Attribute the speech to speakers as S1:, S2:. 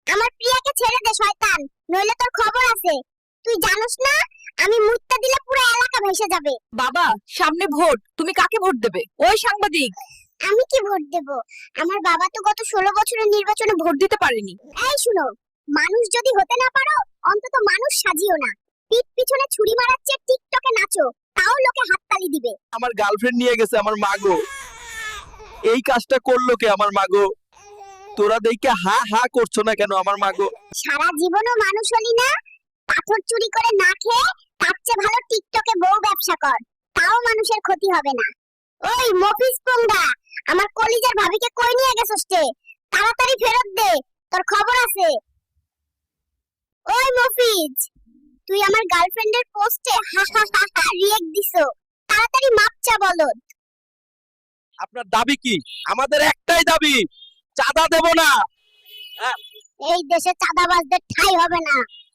S1: আমার প্রিয়াকে ছেড়ে দে শয়তান, নইলে তোর খবর আছে। তুই জানোস না আমি মুত্তা দিলে পুরো এলাকা ভেসে যাবে।
S2: বাবা, সামনে ভোট, তুমি কাকে ভোট দেবে? ওই সাংবাদিক,
S1: আমি কি ভোট দেব? আমার বাবা তো গত 16 বছরের নির্বাচনে ভোট।
S2: ভোট দিতে পারেনি।
S1: এই শুনো, মানুষ যদি হতে না পারো অন্তত মানুষ সাজিও না। পিঠ পিছনে ছুরি মারার চেয়ে টিকটকে নাচো, তাও লোকে হাততালি দিবে।
S3: আমার গার্লফ্রেন্ড নিয়ে গেছে আমার মাগো। এই কাজটা করলো কে আমার মাগো? তোরা দেখে হা হা করছো না কেন আমার মাগো?
S1: সারা জীবনও মানুষ হলি না, পাথর চুরি করে না খেয়ে তার চেয়ে ভালো টিকটকে বউ ব্যবসা কর, তাও মানুষের ক্ষতি হবে না। ওই মফিজ পোংদা, আমার কলিজার ভাবিকে কই নিয়ে গেছস তে? তাড়াতাড়ি ফেরত দে, তোর খবর আছে। ওই মফিজ, তুই আমার গার্লফ্রেন্ডের পোস্টে হা হা হা হা রিয়েক্ট দিছো, তাড়াতাড়ি মাপ চা বলদ।
S3: আপনার দাবি কি? আমাদের একটাই দাবি, চাঁদা দেব না।
S1: এই দেশে চাঁদাবাজদের ঠাঁই হবে না।